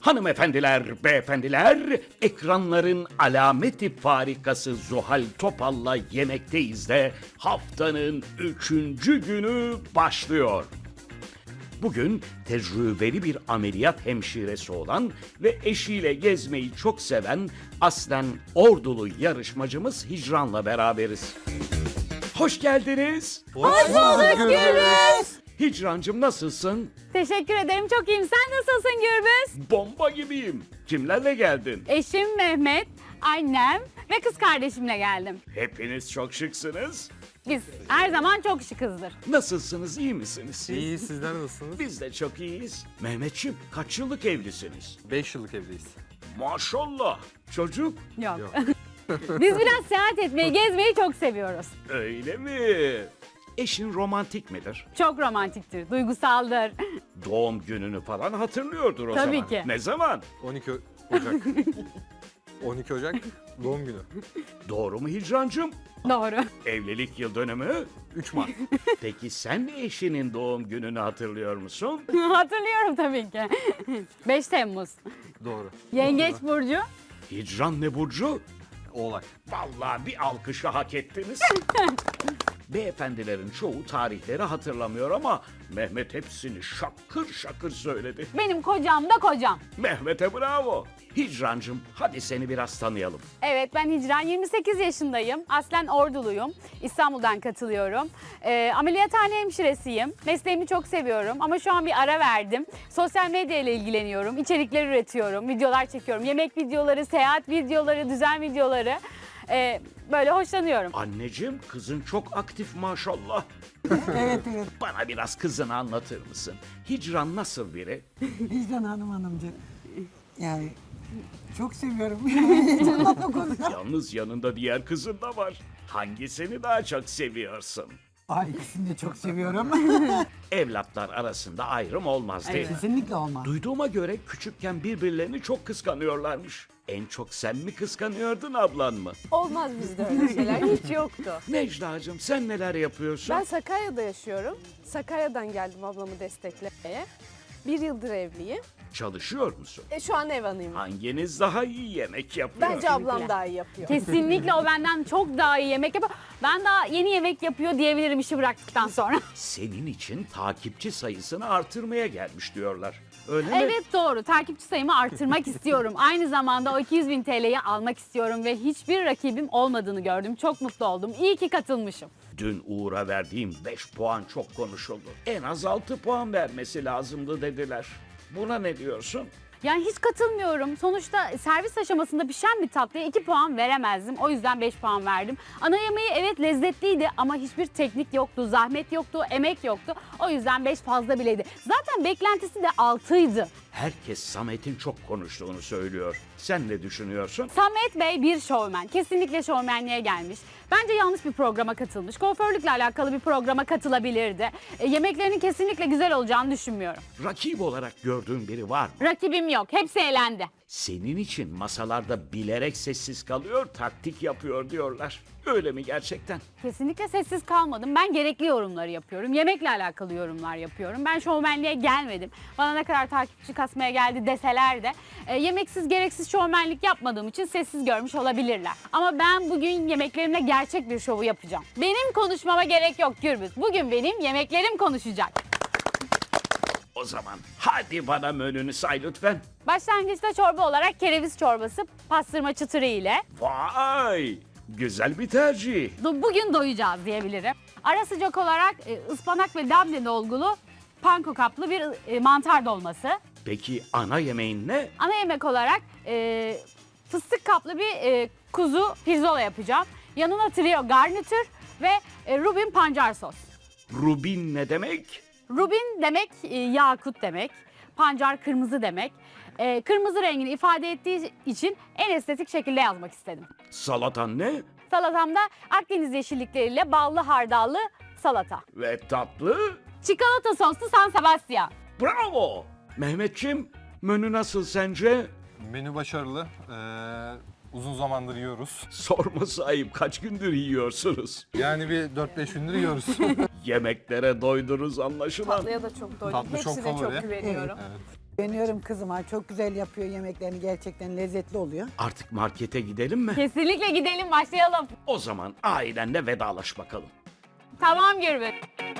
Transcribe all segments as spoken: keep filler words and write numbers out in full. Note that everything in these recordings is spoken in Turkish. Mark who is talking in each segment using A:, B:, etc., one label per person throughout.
A: Hanımefendiler, beyefendiler, ekranların alameti farikası Zuhal Topal'la yemekteyiz de haftanın üçüncü günü başlıyor. Bugün tecrübeli bir ameliyat hemşiresi olan ve eşiyle gezmeyi çok seven aslen Ordulu yarışmacımız Hicran'la beraberiz. Hoş geldiniz.
B: Hoş bulduk Gürbüz.
A: Hicrancığım nasılsın?
B: Teşekkür ederim. Çok iyiyim. Sen nasılsın Gürbüz?
A: Bomba gibiyim. Kimlerle geldin?
B: Eşim Mehmet, annem ve kız kardeşimle geldim.
A: Hepiniz çok şıksınız.
B: Biz her zaman çok şıkızdır.
A: Nasılsınız, iyi misiniz?
C: İyi, sizler nasılsınız?
A: Biz de çok iyiyiz. Mehmetciğim, kaç yıllık evlisiniz?
C: beş yıllık evliyiz.
A: Maşallah. Çocuk?
B: Yok.
C: Yok.
B: Biz biraz seyahat etmeyi, gezmeyi çok seviyoruz.
A: Öyle mi? Eşin romantik midir?
B: Çok romantiktir, duygusaldır.
A: Doğum gününü falan hatırlıyordur o
B: Tabii
A: zaman.
B: ki.
A: Ne zaman?
C: on iki Ocak. on iki Ocak doğum günü.
A: Doğru mu Hicrancığım?
B: Doğru.
A: Evlilik yıl dönümü?
C: üç Mart.
A: Peki sen eşinin doğum gününü hatırlıyor musun?
B: Hatırlıyorum tabii ki. beş Temmuz.
C: Doğru.
B: Yengeç burcu.
A: Hicran ne burcu?
C: Oğlak.
A: Vallahi bir alkışı hak ettiniz. Beyefendilerin çoğu tarihleri hatırlamıyor ama Mehmet hepsini şakır şakır söyledi.
B: Benim kocam da kocam.
A: Mehmet'e bravo. Hicrancığım hadi seni biraz tanıyalım.
B: Evet, ben Hicran, yirmi sekiz yaşındayım. Aslen Orduluyum. İstanbul'dan katılıyorum. Ee, ameliyathane hemşiresiyim. Mesleğimi çok seviyorum ama şu an bir ara verdim. Sosyal medya ile ilgileniyorum. İçerikler üretiyorum, videolar çekiyorum. Yemek videoları, seyahat videoları, düzen videoları. Ee, böyle hoşlanıyorum.
A: Anneciğim kızın çok aktif maşallah.
D: Evet evet.
A: Bana biraz kızını anlatır mısın? Hicran nasıl biri?
D: Vicdan Hanım hanımcık. Yani çok seviyorum. Heyecanla konuşuyorum.
A: Yalnız yanında diğer kızın da var. Hangisini daha çok seviyorsun?
D: Ay ikisini de çok seviyorum.
A: Evlatlar arasında ayrım olmaz değil mi?
D: Kesinlikle olmaz.
A: Duyduğuma göre küçükken birbirlerini çok kıskanıyorlarmış. En çok sen mi kıskanıyordun ablan mı?
E: Olmaz bizde öyle şeyler. Hiç yoktu.
A: Necla'cığım sen neler yapıyorsun?
E: Ben Sakarya'da yaşıyorum. Sakarya'dan geldim ablamı desteklemeye. Bir yıldır evliyim.
A: Çalışıyor musun?
E: E, şu an ev hanıyım.
A: Hanginiz daha iyi yemek yapıyor?
E: Bence ablam daha iyi yapıyor.
B: Kesinlikle o benden çok daha iyi yemek yapıyor. Ben daha yeni yemek yapıyor diyebilirim işi bıraktıktan sonra.
A: Senin için takipçi sayısını artırmaya gelmiş diyorlar. Öyle mi?
B: Evet doğru. Takipçi sayımı artırmak istiyorum. Aynı zamanda o iki yüz bin T L'yi almak istiyorum ve hiçbir rakibim olmadığını gördüm. Çok mutlu oldum. İyi ki katılmışım.
A: Dün Uğur'a verdiğim beş puan çok konuşuldu. En az altı puan vermesi lazımdı dediler. Buna ne diyorsun?
B: Yani hiç katılmıyorum. Sonuçta servis aşamasında pişen bir tatlıya iki puan veremezdim. O yüzden beş puan verdim. Ana yemeği evet lezzetliydi ama hiçbir teknik yoktu, zahmet yoktu, emek yoktu. O yüzden beş fazla bileydi. Zaten beklentisi de altıydı.
A: Herkes Samet'in çok konuştuğunu söylüyor. Sen ne düşünüyorsun?
B: Samet Bey bir şovmen. Kesinlikle şovmenliğe gelmiş. Bence yanlış bir programa katılmış. Kuaförlükle alakalı bir programa katılabilirdi. E, yemeklerinin kesinlikle güzel olacağını düşünmüyorum.
A: Rakip olarak gördüğün biri var mı?
B: Rakibim yok. Hepsi elendi.
A: Senin için masalarda bilerek sessiz kalıyor, taktik yapıyor diyorlar. Öyle mi gerçekten?
B: Kesinlikle sessiz kalmadım. Ben gerekli yorumları yapıyorum. Yemekle alakalı yorumlar yapıyorum. Ben şovmenliğe gelmedim. Bana ne kadar takipçi kasmaya geldi deseler de e, yemeksiz gereksiz şovmenlik yapmadığım için sessiz görmüş olabilirler. Ama ben bugün yemeklerimle gerçek bir şovu yapacağım. Benim konuşmama gerek yok Gürbüz. Bugün benim yemeklerim konuşacak.
A: O zaman hadi bana menünü say lütfen.
B: Başlangıçta çorba olarak kereviz çorbası pastırma çıtırı ile
A: Vay! Güzel bir tercih.
B: do- bugün doyacağız diyebilirim. Ara sıcak olarak e, ıspanak ve labne dolgulu panko kaplı bir e, mantar dolması.
A: Peki ana yemeğin ne?
B: Ana yemek olarak e, fıstık kaplı bir e, kuzu pirzola yapacağım. Yanına trio garnitür ve e, rubin pancar sos.
A: Rubin ne demek?
B: Rubin demek e, yakut demek. Pancar kırmızı demek. E, kırmızı rengini ifade ettiği için en estetik şekilde yazmak istedim.
A: Salatan ne?
B: Salatamda Akdeniz yeşillikleriyle ballı hardallı salata.
A: Ve tatlı?
B: Çikolata soslu San Sebastian.
A: Bravo! Mehmetçim, menü nasıl sence?
C: Menü başarılı. Ee, uzun zamandır yiyoruz.
A: Sorması ayıp, kaç gündür yiyorsunuz?
C: Yani bir dört beş gündür yiyoruz.
A: Yemeklere doydunuz anlaşılan.
E: Tatlıya da çok doydum.
C: Tatlı çok
E: Hepsine çok,
C: favori.
E: güveniyorum.
C: Evet.
D: Beğeniyorum kızıma. Çok güzel yapıyor yemeklerini. Gerçekten lezzetli oluyor.
A: Artık markete gidelim mi?
B: Kesinlikle gidelim, başlayalım.
A: O zaman ailenle vedalaş bakalım.
B: Tamam Gürbüz.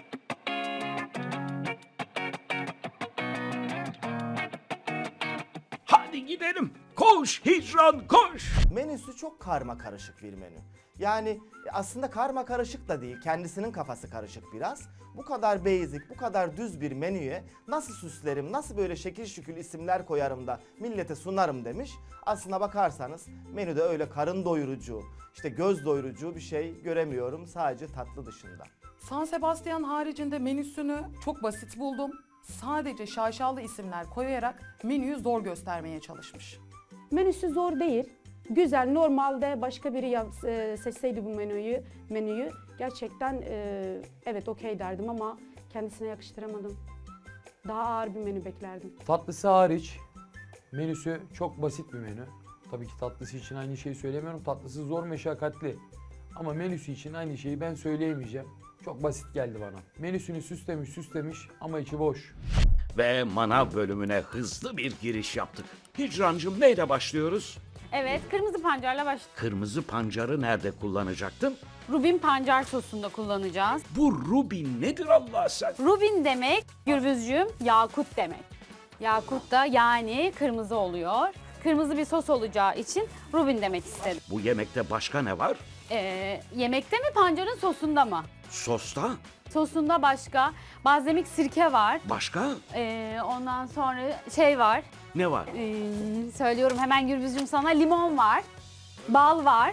A: Hadi gidelim. Koş Hicran koş.
F: Menüsü çok karma karışık bir menü. Yani aslında karma karışık da değil, kendisinin kafası karışık biraz. Bu kadar basic, bu kadar düz bir menüye nasıl süslerim, nasıl böyle şekil şükül isimler koyarım da millete sunarım demiş. Aslına bakarsanız menüde öyle karın doyurucu, işte göz doyurucu bir şey göremiyorum sadece tatlı dışında.
G: San Sebastian haricinde menüsünü çok basit buldum. Sadece şaşalı isimler koyarak menüyü zor göstermeye çalışmış.
H: Menüsü zor değil. Güzel. Normalde başka biri yap- e, seçseydi bu menüyü, menüyü gerçekten e, evet okey derdim ama kendisine yakıştıramadım. Daha ağır bir menü beklerdim.
I: Tatlısı hariç menüsü çok basit bir menü. Tabii ki tatlısı için aynı şeyi söylemiyorum. Tatlısı zor, meşakkatli. Ama menüsü için aynı şeyi ben söyleyemeyeceğim. Çok basit geldi bana. Menüsünü süslemiş süslemiş ama içi boş.
A: Ve manav bölümüne hızlı bir giriş yaptık. Hicrancığım neyle başlıyoruz?
B: Evet, kırmızı pancarla baş.
A: Kırmızı pancarı nerede kullanacaktın?
B: Rubin pancar sosunda kullanacağız.
A: Bu rubin nedir Allah sen?
B: Rubin demek Gürbüzcüğüm yakut demek. Yakut da yani kırmızı oluyor. Kırmızı bir sos olacağı için rubin demek istedim.
A: Bu yemekte başka ne var?
B: Ee, yemekte mi pancarın sosunda mı?
A: Sosta?
B: Sosunda başka balzamik sirke var.
A: Başka?
B: Ee, ondan sonra şey var.
A: Ne var?
B: Ee, söylüyorum hemen Gürbüzcüğüm sana, limon var. Bal var.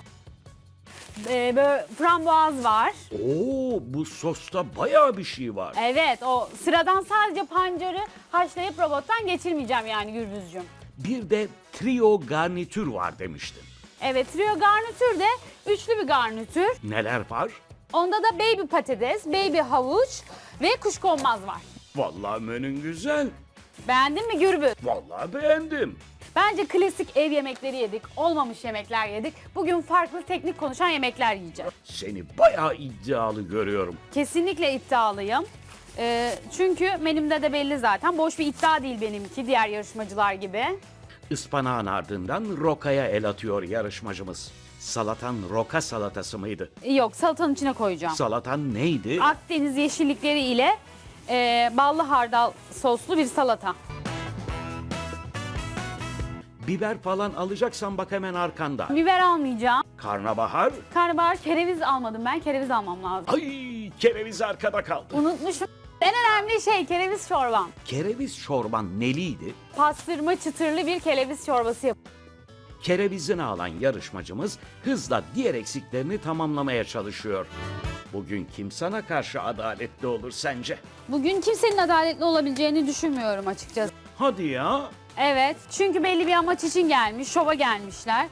B: Ee, böyle frambuaz var.
A: Oo, bu sosta bayağı bir şey var.
B: Evet, o sıradan sadece pancarı haşlayıp robottan geçirmeyeceğim yani Gürbüzcüğüm.
A: Bir de trio garnitür var demiştin.
B: Evet, trio garnitür de üçlü bir garnitür.
A: Neler var?
B: Onda da baby patates, baby havuç ve kuşkonmaz var.
A: Vallahi menün güzel.
B: Beğendin mi Gürbüz?
A: Vallahi beğendim.
B: Bence klasik ev yemekleri yedik, olmamış yemekler yedik. Bugün farklı teknik konuşan yemekler yiyeceğiz.
A: Seni bayağı iddialı görüyorum.
B: Kesinlikle iddialıyım. Ee, çünkü menümde de belli zaten. Boş bir iddia değil benimki diğer yarışmacılar gibi.
A: Ispanağın ardından rokaya el atıyor yarışmacımız. Salatan roka salatası mıydı?
B: Yok, salatanın içine koyacağım.
A: Salatan neydi?
B: Akdeniz yeşillikleri ile e, ballı hardal soslu bir salata.
A: Biber falan alacaksan bak hemen arkanda.
B: Biber almayacağım.
A: Karnabahar.
B: Karnabahar, kereviz almadım ben. Kereviz almam lazım.
A: Ay, kereviz arkada kaldı.
B: Unutmuşum. En önemli şey kereviz çorbam.
A: Kereviz çorban neliydi?
B: Pastırma çıtırlı bir kereviz çorbası yap.
A: Kerevizini alan yarışmacımız hızla diğer eksiklerini tamamlamaya çalışıyor. Bugün kim sana karşı adaletli olur sence?
B: Bugün kimsenin adaletli olabileceğini düşünmüyorum açıkçası.
A: Hadi ya.
B: Evet, çünkü belli bir amaç için gelmiş, şova gelmişler.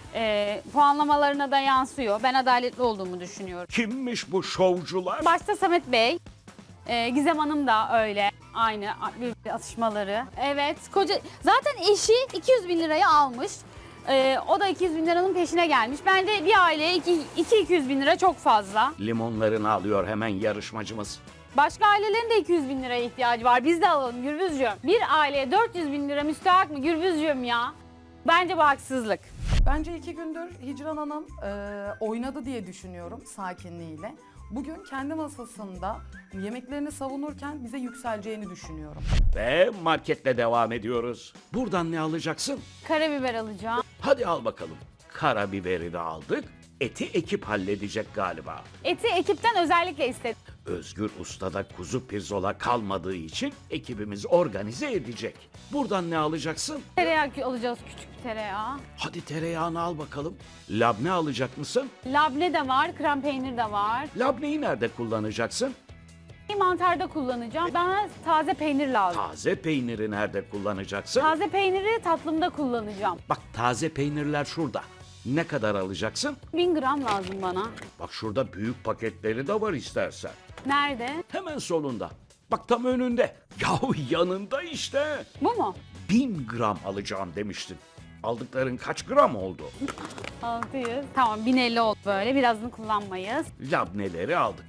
B: Ee, puanlamalarına da yansıyor. Ben adaletli olduğumu düşünüyorum.
A: Kimmiş bu şovcular?
B: Başta Samet Bey, e, Gizem Hanım da öyle. Aynı bir atışmaları. Evet, koca zaten eşi iki yüz bin liraya almış. Ee, o da iki yüz bin liranın peşine gelmiş. Bence bir aileye iki iki yüz bin lira çok fazla.
A: Limonlarını alıyor hemen yarışmacımız.
B: Başka ailelerin de iki yüz bin liraya ihtiyacı var. Biz de alalım Gürbüzcüğüm. Bir aileye dört yüz bin lira müstahak mı Gürbüzcüğüm ya? Bence bu haksızlık.
G: Bence iki gündür Hicran Hanım e, oynadı diye düşünüyorum sakinliğiyle. Bugün kendi masasında yemeklerini savunurken bize yükseleceğini düşünüyorum.
A: Ve marketle devam ediyoruz. Buradan ne alacaksın?
B: Karabiber alacağım.
A: Hadi al bakalım. Karabiberi de aldık. Eti ekip halledecek galiba.
B: Eti ekipten özellikle istedim.
A: Özgür Usta'da kuzu pirzola kalmadığı için ekibimiz organize edecek. Buradan ne alacaksın?
B: Tereyağı alacağız, küçük bir tereyağı.
A: Hadi tereyağını al bakalım. Labne alacak mısın?
B: Labne de var, krem peynir de var.
A: Labneyi nerede kullanacaksın?
B: Mantarda kullanacağım. Bana taze peynir lazım.
A: Taze peyniri nerede kullanacaksın?
B: Taze peyniri tatlımda kullanacağım.
A: Bak taze peynirler şurada. Ne kadar alacaksın?
B: bin gram lazım bana.
A: Bak şurada büyük paketleri de var istersen.
B: Nerede?
A: Hemen solunda. Bak tam önünde. Yahu yanında işte.
B: Bu mu?
A: Bin gram alacağım demiştin. Aldıkların kaç gram oldu?
B: altı yüz. Tamam, bin elli oldu böyle. Birazını kullanmayız.
A: Labneleri aldık.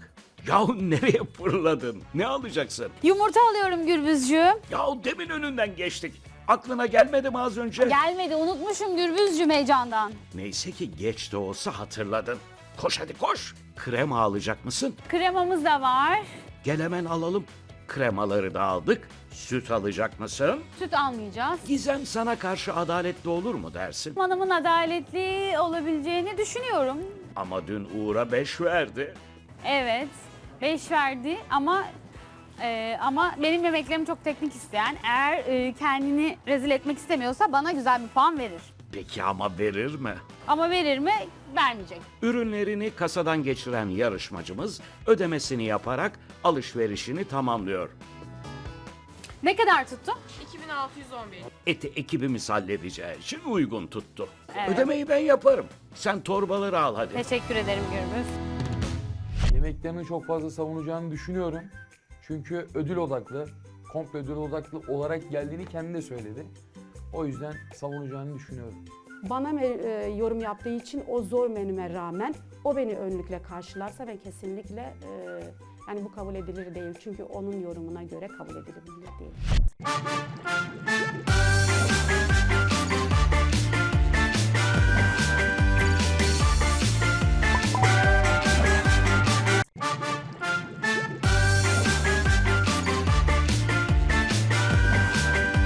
A: Yahu nereye fırladın? Ne alacaksın?
B: Yumurta alıyorum Gürbüzcüğüm.
A: Yahu demin önünden geçtik. Aklına gelmedi mi az önce?
B: Gelmedi, unutmuşum Gürbüzcüğüm heyecandan.
A: Neyse ki geç de olsa hatırladın. Koş hadi koş. Krema alacak mısın?
B: Kremamız da var.
A: Gel hemen alalım. Kremaları da aldık. Süt alacak mısın?
B: Süt almayacağız.
A: Gizem sana karşı adaletli olur mu dersin?
B: Hanımın adaletli olabileceğini düşünüyorum.
A: Ama dün Uğur'a beş verdi.
B: Evet, beş verdi ama e, ama benim yemeklerim çok teknik isteyen. Eğer e, kendini rezil etmek istemiyorsa bana güzel bir puan verir.
A: Peki ama verir mi?
B: Ama verir mi? Vermeyecek.
A: Ürünlerini kasadan geçiren yarışmacımız ödemesini yaparak alışverişini tamamlıyor.
B: Ne kadar tuttu?
J: iki bin altı yüz on bir.
A: Eti ekibimiz halledeceği için uygun tuttu.
B: Evet.
A: Ödemeyi ben yaparım. Sen torbaları al hadi.
B: Teşekkür ederim Gürbüz.
I: Yemeklerini çok fazla savunacağını düşünüyorum. Çünkü ödül odaklı, komple ödül odaklı olarak geldiğini kendi de söyledi. O yüzden savunacağını düşünüyorum.
H: Bana me- e, yorum yaptığı için o zor menüme rağmen o beni önlükle karşılarsa ben kesinlikle e, yani bu kabul edilir değil. Çünkü onun yorumuna göre kabul edilebilir değil.